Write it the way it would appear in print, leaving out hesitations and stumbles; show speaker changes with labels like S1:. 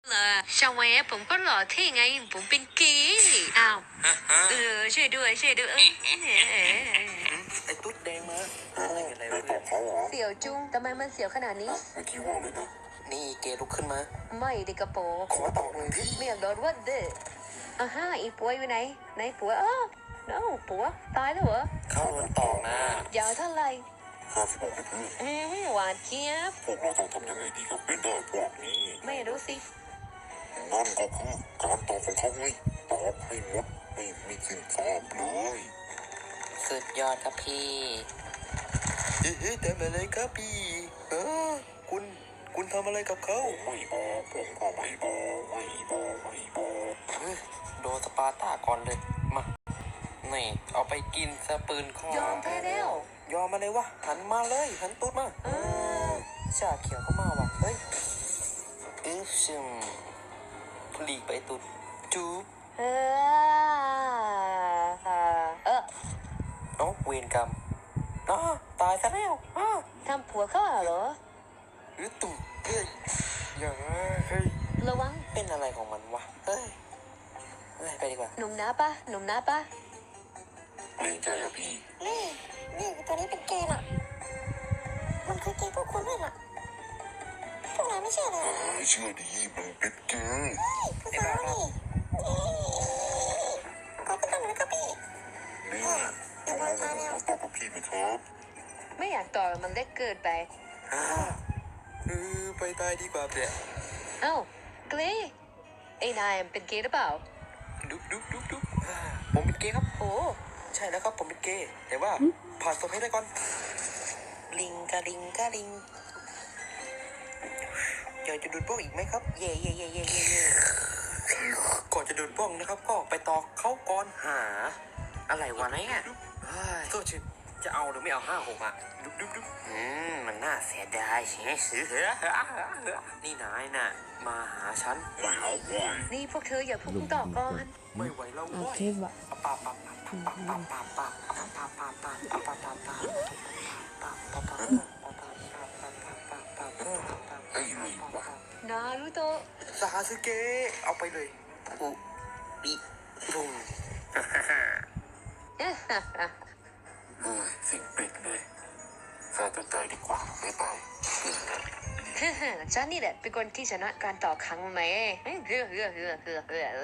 S1: Sao ngoài áผมก็หล่อเท่ไงผมเป็นเกย์อ้าวช่วยด้วย
S2: ไอ้ตุ๊ดแดงมาอะไรกันอะไรวะเพื่อน
S1: เสียวจุ้งทำไมมันเสียวขนาดนี้
S3: เมื่อกี้ว่าเลยนะ
S2: นี่เกลุกขึ้นมา
S1: ไม่เด็กกระโปรง
S3: ขอตอบหน่อยพี่
S1: ไม่อยากโดนวัดเด้ออ่าฮะอีปัวอยู่ไหนไหนปัวน้องปัวตายแล้วเหรอ
S2: เข้าโดนต่อนะ
S1: ยาวเท่าไหร่
S3: 56นะเพื่อน
S1: หวานเจี๊ยบ
S3: พวกเราต้องทำยังไงดีกับเป็นได้พวกนี้
S1: ไม่รู้สิ
S3: นั่นก็คือการตอบของเขาไงตอบให้หมดไม่มีสิ่งตอบเลย
S2: สุดยอดครับพี่เฮ้ยทำอะไรครับพี่คุณทำอะไรกับเขา
S3: ไม่บอกผมก็ไม่บอกไม่บอก
S2: โดนสปาร์ต้าก่อนเลยมานี่เอาไปกินซะปืนข้อย
S1: อมแพ้แล้ว
S2: ยอมมาเลยวะหันมาเลยหันตุ๊ดมาชาเขียวก็มาว่ะเฮ้ยซึมพลีกไปตุ๊ดจูบเอาเวรกรรมตายซะแล้ว
S1: ทำผัวเข้าเหรอ
S2: ตุ่มเฮ้ยอย่างเฮ้ย
S1: ระวัง
S2: เป็นอะไรของมันวะเฮ้ยไปดีกว่า
S1: หนุ่มน้าปะ
S3: เกรงใจอะพี่
S4: นี่ตัวนี้เป็นเกย์น่ะ มันคือเกย์พวกคุณด้วยน่ะพวกนายไม่เชื่อเลย
S3: เชื่อดีมันเป็นเกย์
S4: ผู้สาวนี่ขอบคุณตำรวจครับพี่
S3: นี่ต้องลองมาตอบกับพี่ไหมครับ
S1: ไม่อยากต่อมันเล็กเกินไป
S2: ไปตายดีกว่าเปล่า
S1: เอ้าเกรไอ้นายเป็นเกย์หรือเปล่า
S2: ดุ๊บผมเป็นเกย์ครับ
S1: โอ้
S2: ใช่แล้วครับผมเป็นเกย์แต่ว่าผ่านศพให้ได้ก่อนลิงกะลิงอยากจะดูดบ้องอีกไหมครับเย่ก่อนจะดูดบ้องนะครับก็ไปตอกเขาก่อนหาอะไรวะเนี่ยโทษชิจะเอาหรือไม่เอา56อ่ะดุ๊บมันน่าเสียดายใช่ไหมนี่นายน่ะมาหาฉัน
S3: ไม่เอาไว้
S1: นี่พวกเธออย่าพูดต่อก่อน
S2: ไม่ไหวแล้วเว้ย
S3: ไอ้นี่วะ
S1: นารูโตะ
S2: ซาสึเกะเอาไปเลยอุบิรุง
S3: เฮ้ยสิ่งเป็ดเลยฆ่าตัวตายดีกว่าไม่ไป
S1: ฉันนี่แหละเป็นคนที่ชนะการต่อครั้งไหม